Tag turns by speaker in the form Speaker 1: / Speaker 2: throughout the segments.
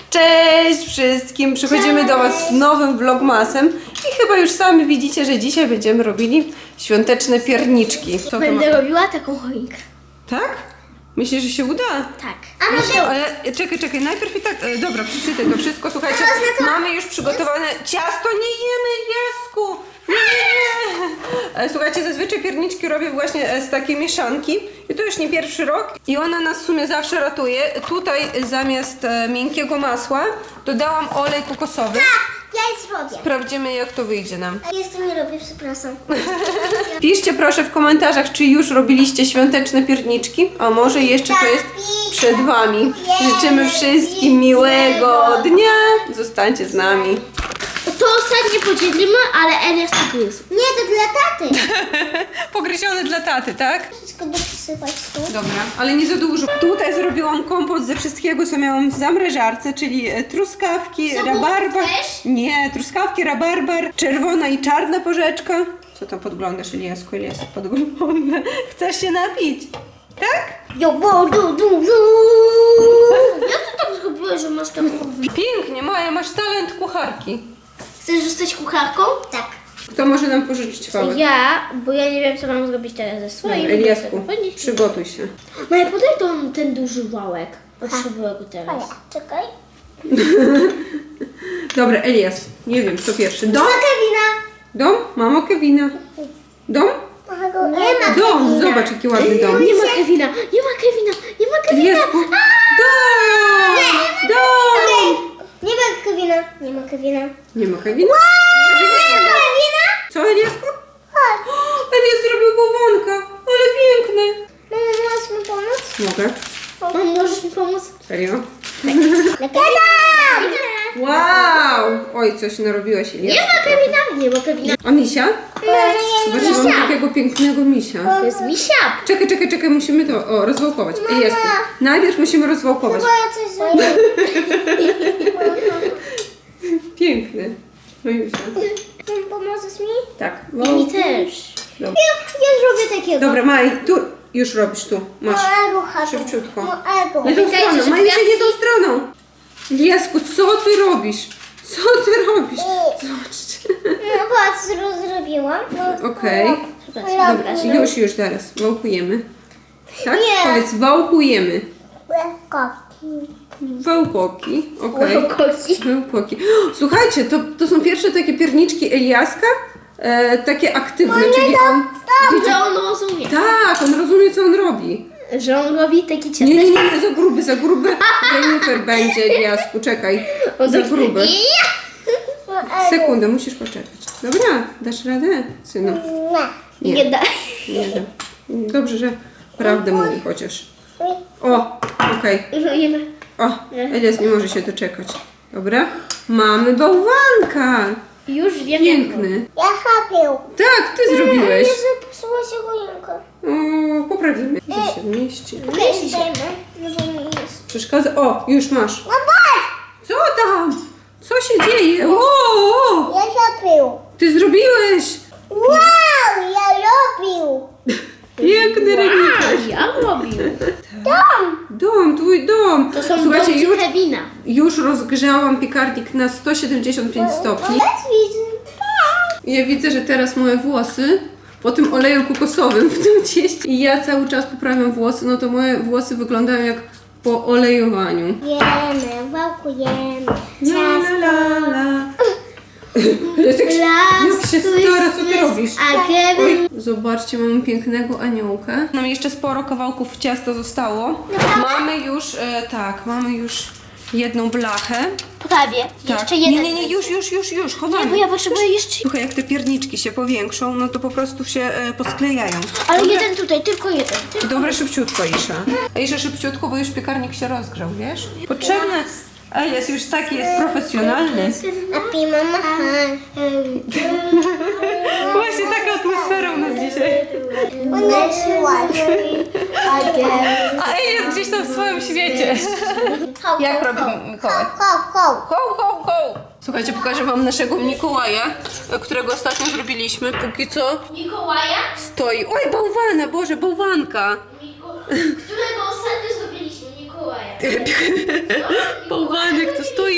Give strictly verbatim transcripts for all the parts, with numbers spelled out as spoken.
Speaker 1: Cześć wszystkim! Przychodzimy do Was z nowym vlogmasem i chyba już sami widzicie, że dzisiaj będziemy robili świąteczne pierniczki. Co to
Speaker 2: Będę
Speaker 1: ma...
Speaker 2: robiła taką choinkę.
Speaker 1: Tak? Myślisz, że się uda?
Speaker 2: Tak.
Speaker 1: Myślę, ale czekaj, czekaj, najpierw i tak, e, dobra, przeczytaj to wszystko, słuchajcie, mamy już przygotowane ciasto, nie jemy, Jasku, nie, nie, nie. E, Słuchajcie, zazwyczaj pierniczki robię właśnie e, z takiej mieszanki i to już nie pierwszy rok i ona nas w sumie zawsze ratuje. Tutaj zamiast e, miękkiego masła dodałam olej kokosowy.
Speaker 2: Ja je zrobię.
Speaker 1: Sprawdzimy, jak to wyjdzie nam.
Speaker 2: Ja jeszcze nie robię, przepraszam.
Speaker 1: Piszcie proszę w komentarzach, czy już robiliście świąteczne pierniczki, a może jeszcze to jest przed Wami. Życzymy wszystkim miłego dnia. Zostańcie z nami.
Speaker 2: To ostatnie podzielimy, ale Elias to jest. Nie, to dla taty.
Speaker 1: Pogryzione dla taty, tak?
Speaker 2: Wszystko dosypać tu.
Speaker 1: Dobra, ale nie za dużo. Tutaj zrobiłam kompot ze wszystkiego, co miałam w zamrażarce, czyli e, truskawki,
Speaker 2: Co,
Speaker 1: rabarbar.
Speaker 2: też?
Speaker 1: Nie, truskawki, rabarbar, czerwona i czarna porzeczka. Co tam podglądasz, Eliasku? Eliasek podgląda. Chcesz się napić? Tak?
Speaker 2: Jo, bo, du, du, du. Jak ty tak zrobiłeś, że masz taką...
Speaker 1: Pięknie, Maja, masz talent kucharki.
Speaker 2: Chcesz zostać kucharką? Tak.
Speaker 1: Kto może nam pożyczyć wałek?
Speaker 2: Ja, bo ja nie wiem, co mam zrobić teraz ze swoim.
Speaker 1: Dobra, Eliasku, przygotuj się.
Speaker 2: Maja, podaj ten, ten duży wałek. Potrzebuję go teraz. Czekaj.
Speaker 1: Dobra, Elias, nie wiem, kto pierwszy. Dom?
Speaker 2: Kevina.
Speaker 1: Dom? Mamo Kevina. Dom?
Speaker 2: Nie ma
Speaker 1: Dom, zobacz jaki ładny dom.
Speaker 2: Nie ma Kevina, nie ma Kevina, nie ma Kevina.
Speaker 1: Eliasku, dom! Dom!
Speaker 2: Nie ma Kevina, nie ma Kevina.
Speaker 1: Nie ma Kevina?
Speaker 2: Nie ma Kevina?
Speaker 1: Co, Eliasku? Elias zrobił bałwanka, ale piękny.
Speaker 2: Mamo, możesz mi pomóc?
Speaker 1: Mogę?
Speaker 2: Mamo, możesz mi pomóc?
Speaker 1: Serio?
Speaker 2: Kevina!
Speaker 1: Wow! Oj, coś narobiłaś, Elias.
Speaker 2: Nie ma Kevina, nie ma Kevina.
Speaker 1: A misia? Zobaczcie, mam takiego pięknego misia.
Speaker 2: To jest misia.
Speaker 1: Czekaj, czekaj, czekaj, musimy to o, rozwałkować. Eliasku, najpierw musimy rozwałkować.
Speaker 2: ja coś zrobię.
Speaker 1: Piękny. No już.
Speaker 2: Pomożesz mi?
Speaker 1: Tak.
Speaker 2: I mi też.
Speaker 1: Dobra.
Speaker 2: Ja, ja zrobię takiego.
Speaker 1: Dobra, Maj, tu już robisz tu. Masz.
Speaker 2: Małego chatu.
Speaker 1: Szybciutko.
Speaker 2: Małego.
Speaker 1: Nie tą
Speaker 2: Czekajcie,
Speaker 1: stroną,
Speaker 2: że
Speaker 1: Maj, jeszcze nie
Speaker 2: gwiazdki-
Speaker 1: tą stroną. Eliasku, co ty robisz? Co ty robisz? Zobaczcie.
Speaker 2: No patrz, roz- zrobiłam. No,
Speaker 1: Okej.
Speaker 2: Dobra,
Speaker 1: Dobra, już, już zaraz. Wałkujemy. Tak?
Speaker 2: Nie.
Speaker 1: Powiedz, wałkujemy.
Speaker 2: Koki.
Speaker 1: Wałkoki. Okej.
Speaker 2: Koki.
Speaker 1: Wałkoki. Słuchajcie, to, to są pierwsze takie pierniczki Eliaska. E, takie aktywne, czyli on...
Speaker 2: Że on rozumie.
Speaker 1: Tak, on rozumie, co on robi.
Speaker 2: Że on robi taki ciastek.
Speaker 1: Nie, nie, nie, nie, za gruby, za gruby. Renifer będzie, Eliasku, czekaj. Za gruby. Sekundę, musisz poczekać. Dobra, dasz radę, synu?
Speaker 2: Nie. Nie da.
Speaker 1: Nie da. Dobrze, że prawdę mówi chociaż. O, okej.
Speaker 2: Nie da.
Speaker 1: O, Elias nie może się doczekać. Dobra, mamy bałwanka.
Speaker 2: Już wiem.
Speaker 1: Piękny.
Speaker 2: Ja chapię.
Speaker 1: Tak, ty zrobiłeś.
Speaker 2: zepsuła się choinka.
Speaker 1: O, poprawimy. Gdzie się mieści?
Speaker 2: Mieści się. No bo nie jest.
Speaker 1: Przeszkadza. O, już masz.
Speaker 2: No patrz!
Speaker 1: Co tam? Co się dzieje? O, o,
Speaker 2: Ja chapię.
Speaker 1: ty zrobiłeś.
Speaker 2: Wow, ja robił.
Speaker 1: Piękny renifer.
Speaker 2: Ja robił. Dom.
Speaker 1: Dom, twój dom.
Speaker 2: To są
Speaker 1: Słuchajcie,
Speaker 2: domki
Speaker 1: już,
Speaker 2: Kevina.
Speaker 1: już rozgrzałam piekarnik na sto siedemdziesiąt pięć stopni. I ja widzę, że teraz moje włosy po tym oleju kokosowym w tym cieście i ja cały czas poprawiam włosy, no to moje włosy wyglądają jak po olejowaniu.
Speaker 2: Jemy, wałkujemy.
Speaker 1: La, la, la, la. Jak, się- jak się stara, co ty robisz?
Speaker 2: A Kevin...
Speaker 1: Zobaczcie, mamy pięknego aniołka. Nam jeszcze sporo kawałków ciasta zostało. Mamy już, e, tak, mamy już jedną blachę.
Speaker 2: Prawie.
Speaker 1: Tak.
Speaker 2: Jeszcze jeden.
Speaker 1: Nie, nie, nie, już, już, już, już, chowamy.
Speaker 2: Bo ja potrzebuję jeszcze...
Speaker 1: Słuchaj, jak te pierniczki się powiększą, no to po prostu się e, posklejają.
Speaker 2: Ale
Speaker 1: Dobra,
Speaker 2: jeden tutaj, tylko jeden. Tylko...
Speaker 1: dobra, szybciutko, Isza. Isza, szybciutko, bo już piekarnik się rozgrzał, wiesz? Potrzebne... A jest już taki, jest profesjonalny.
Speaker 2: Happy mama.
Speaker 1: Właśnie taka atmosfera u nas dzisiaj. A Ej jest gdzieś tam w swoim świecie. Jak robi Mikołaj?
Speaker 2: Ho, ho.
Speaker 1: Ho, ho, ho! Słuchajcie, pokażę wam naszego Mikołaja, którego ostatnio zrobiliśmy. Póki co
Speaker 2: Mikołaja?
Speaker 1: stoi... Oj, bałwana, Boże, bałwanka!
Speaker 2: Którego ostatnio zrobiliśmy? Mikołaja.
Speaker 1: Bałwanek to stoi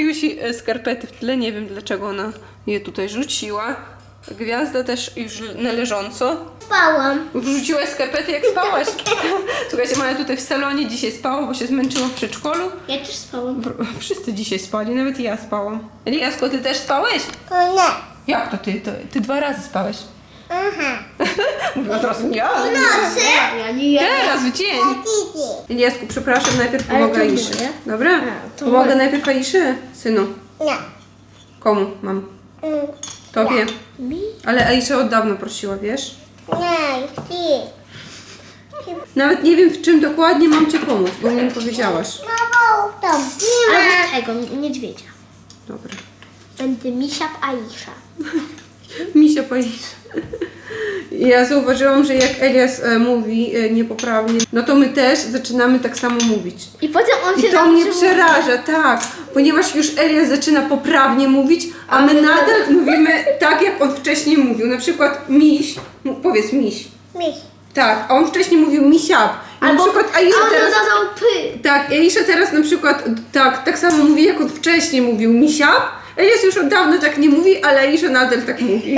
Speaker 1: Majusi e, skarpety w tle, nie wiem dlaczego ona je tutaj rzuciła. Gwiazda też już należąco.
Speaker 2: Spałam.
Speaker 1: Wrzuciłaś skarpety jak spałaś. Słuchajcie, Maja tutaj w salonie dzisiaj spała, bo się zmęczyła w przedszkolu.
Speaker 2: Ja też spałam.
Speaker 1: Wszyscy dzisiaj spali, nawet ja spałam. Eliasko, ty też spałeś?
Speaker 2: Nie.
Speaker 1: Jak to ty? To, ty dwa razy spałeś.
Speaker 2: Aha.
Speaker 1: Mówiła teraz nie.
Speaker 2: Nocy? Ja nie jadę.
Speaker 1: Teraz w dzień. Eliasku, przepraszam, najpierw
Speaker 2: Ale
Speaker 1: pomogę
Speaker 2: to
Speaker 1: Aiszy.
Speaker 2: moje?
Speaker 1: Dobra?
Speaker 2: A, to
Speaker 1: Pomogę
Speaker 2: moje.
Speaker 1: najpierw Aiszy, synu.
Speaker 2: Nie.
Speaker 1: Komu mam? Tobie.
Speaker 2: Mi?
Speaker 1: Ale Aisza od dawna prosiła, wiesz?
Speaker 2: Nie, ty.
Speaker 1: Nawet nie wiem, w czym dokładnie mam cię pomóc, bo mi nie powiedziałaś.
Speaker 2: Mamo, tam. Nie ma. Albo tego, niedźwiedzia.
Speaker 1: Dobra.
Speaker 2: Będę misia Aisza.
Speaker 1: Misia Aisza. Ja zauważyłam, że jak Elias e, mówi e, niepoprawnie, no to my też zaczynamy tak samo mówić.
Speaker 2: I potem on się
Speaker 1: I to mnie
Speaker 2: nauczył
Speaker 1: przeraża, tak, ponieważ już Elias zaczyna poprawnie mówić, a my nadal mówimy tak, jak on wcześniej mówił. Na przykład miś, mu- powiedz miś.
Speaker 2: Miś.
Speaker 1: Tak, a on wcześniej mówił misiap. I na przykład Aisza
Speaker 2: a on
Speaker 1: teraz...
Speaker 2: dodał py.
Speaker 1: Tak, Aisza teraz na przykład tak, tak samo mówi, jak on wcześniej mówił misiap. Elias już od dawna tak nie mówi, ale Aisza nadal tak mówi.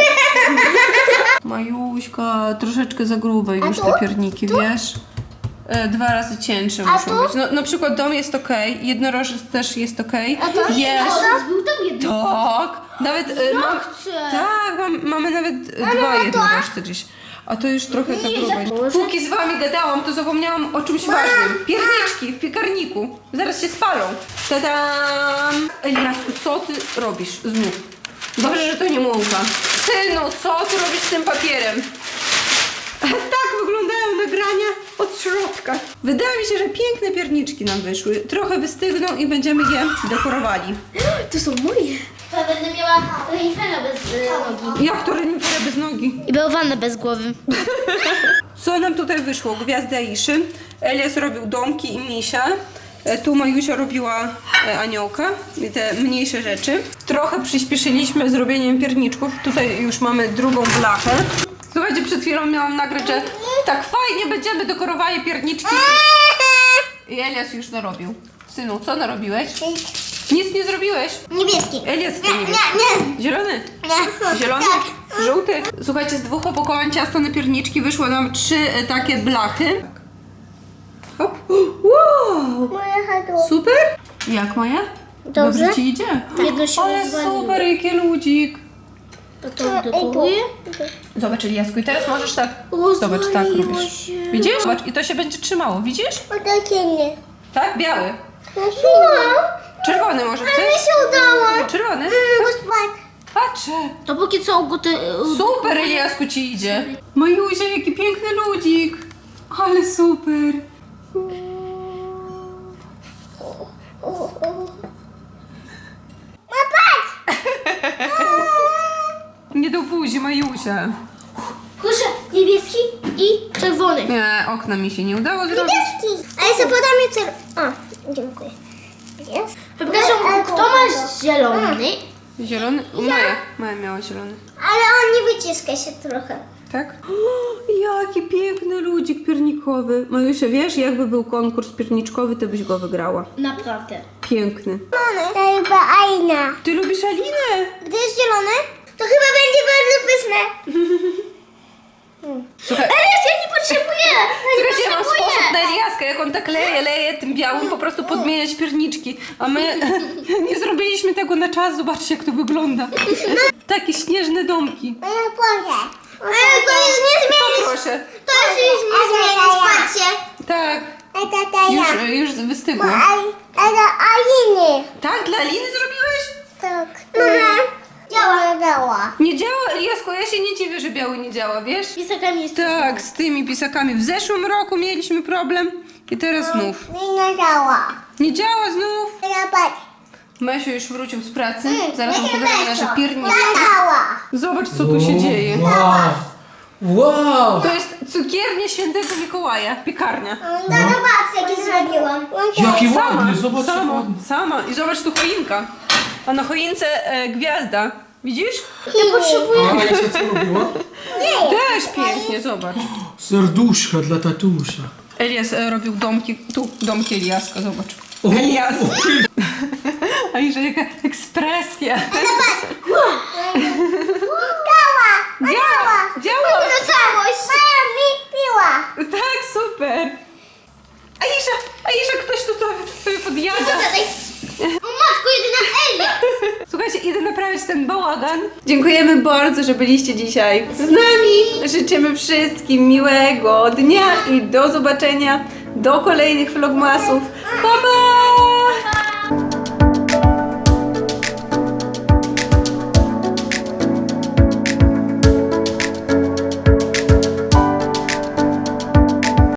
Speaker 1: Majuśka, troszeczkę za grube już te pierniki, wiesz? E, dwa razy cięższe muszą
Speaker 2: tu?
Speaker 1: być. No, na przykład dom jest okej, jednorożec też jest okej.
Speaker 2: A to
Speaker 1: Jest.
Speaker 2: był tam jeden.
Speaker 1: Tak, nawet e, mam,
Speaker 2: chcę.
Speaker 1: tak, mam, mamy nawet e, dwa jednorożce gdzieś. A to już trochę za grube.
Speaker 2: Boże.
Speaker 1: Póki z wami gadałam, to zapomniałam o czymś ważnym. Pierniczki w piekarniku. Zaraz się spalą. Tadam! Eliasku, co ty robisz znów? Dobrze, że to nie mąka. Synu, co ty robisz z tym papierem? Tak wyglądają nagrania od środka. Wydaje mi się, że piękne pierniczki nam wyszły. Trochę wystygną i będziemy je dekorowali.
Speaker 2: To są moje. Ja będę miała renifera bez y, nogi.
Speaker 1: Jak to renifera bez nogi?
Speaker 2: I bałwanę bez głowy.
Speaker 1: Co nam tutaj wyszło? Gwiazda Aiszy. Elias robił domki i misia. E, Tu Majusia robiła e, aniołka i te mniejsze rzeczy. Trochę przyspieszyliśmy zrobieniem pierniczków. Tutaj już mamy drugą blachę. Słuchajcie, przed chwilą miałam nagrać, że tak fajnie będziemy dekorowali pierniczki. I Elias już narobił. Synu, co narobiłeś? Nic nie zrobiłeś.
Speaker 2: Niebieski.
Speaker 1: Elias, ty
Speaker 2: Nie,
Speaker 1: niebieski.
Speaker 2: nie, nie.
Speaker 1: Zielony?
Speaker 2: Nie.
Speaker 1: Zielony?
Speaker 2: Tak.
Speaker 1: Żółty? Słuchajcie, z dwóch opakowań ciasta na pierniczki wyszło nam trzy e, takie blachy. Hop. Wow!
Speaker 2: Moja hadło.
Speaker 1: Super? Jak Maja?
Speaker 2: Dobrze.
Speaker 1: ci idzie?
Speaker 2: Jedno się
Speaker 1: Ale
Speaker 2: rozwaliło.
Speaker 1: super, jaki ludzik.
Speaker 2: To to dekoruję.
Speaker 1: Zobacz, Eliasku, i teraz możesz tak...
Speaker 2: Rozwaliło
Speaker 1: Zobacz, tak robisz.
Speaker 2: się.
Speaker 1: Widzisz? Zobacz, i to się będzie trzymało, widzisz?
Speaker 2: Otoczenie.
Speaker 1: Tak? Biały. Czerwony może
Speaker 2: Mi
Speaker 1: chcesz?
Speaker 2: się udało.
Speaker 1: Czerwony?
Speaker 2: Mogę spać.
Speaker 1: Patrzę.
Speaker 2: To póki co go te...
Speaker 1: Super, Eliasku, ci idzie. Majusia, jaki piękny ludzik. Ale super. Nie do buzi, Majusia.
Speaker 2: Proszę, niebieski i czerwony.
Speaker 1: Nie, okna mi się nie udało zrobić.
Speaker 2: Niebieski. A ja sobie podam je czerwony. O, dziękuję. Jest. Przepraszam, kto ma zielony?
Speaker 1: Zielony? Maja. Maja miała zielony.
Speaker 2: Ale on nie wyciska się trochę.
Speaker 1: Tak? O, jaki piękny ludzik piernikowy. Majusia, wiesz, jakby był konkurs pierniczkowy, to byś go wygrała.
Speaker 2: Naprawdę.
Speaker 1: Piękny.
Speaker 2: To chyba Aina.
Speaker 1: Ty lubisz Alinę?
Speaker 2: Gdy jest zielony, to chyba będzie bardzo pyszne.
Speaker 1: Słuchaj,
Speaker 2: Elias, ja nie potrzebuję. Ja nie
Speaker 1: słuchajcie, ja mam sposób na
Speaker 2: potrzebuję.
Speaker 1: Eliaska, jak on tak leje, leje tym białym, po prostu podmieniać pierniczki. A my nie zrobiliśmy tego na czas, zobaczcie jak to wygląda. Takie śnieżne domki.
Speaker 2: Ja powiem. Ale to już nie zmieni.
Speaker 1: Proszę.
Speaker 2: To już nie zmieni, patrzcie.
Speaker 1: Tak,
Speaker 2: A tata
Speaker 1: już, już wystygło.
Speaker 2: Ale Aliny.
Speaker 1: Tak, dla Aliny zrobiłeś?
Speaker 2: Tak. Mama. Działa. Działa.
Speaker 1: Nie działa, Eliasko, ja się nie dziwię, że biały nie działa, wiesz?
Speaker 2: Pisakami jest
Speaker 1: Tak, z tymi pisakami. W zeszłym roku mieliśmy problem i teraz znów.
Speaker 2: nie działa.
Speaker 1: Nie działa znów.
Speaker 2: Ja patrz.
Speaker 1: Mesiu już wrócił z pracy. Zaraz mu pokażę nasze pierniczki.
Speaker 2: Działa.
Speaker 1: Zobacz, co tu się dzieje.
Speaker 3: Wow! Wow!
Speaker 1: To jest cukiernia Świętego Mikołaja, piekarnia.
Speaker 2: No zobacz, jaki zrobiłam.
Speaker 3: Jaki
Speaker 1: Sama,
Speaker 3: ładny, zobacz jak
Speaker 1: sama,
Speaker 3: ładny.
Speaker 1: sama. I zobacz tu choinka. A na choince e, gwiazda. Widzisz?
Speaker 2: Nie potrzebuję.
Speaker 3: A Alicja co robiła?
Speaker 1: Też pięknie, zobacz.
Speaker 3: Serduszka dla tatusia.
Speaker 1: Elias e, robił domki, tu domki Eliaska, zobacz.
Speaker 3: O,
Speaker 1: Elias. Aisza, jaka ekspresja.
Speaker 2: Działa!
Speaker 1: Działa, działa.
Speaker 2: To całość! Mama mi piła!
Speaker 1: Tak, super. Aisza, Aisza, ktoś tu to podjada.
Speaker 2: O matko, jedyna Elia!
Speaker 1: Słuchajcie, idę naprawić ten bałagan. Dziękujemy bardzo, że byliście dzisiaj z nami. Życzymy wszystkim miłego dnia i do zobaczenia do kolejnych vlogmasów. Pa, pa!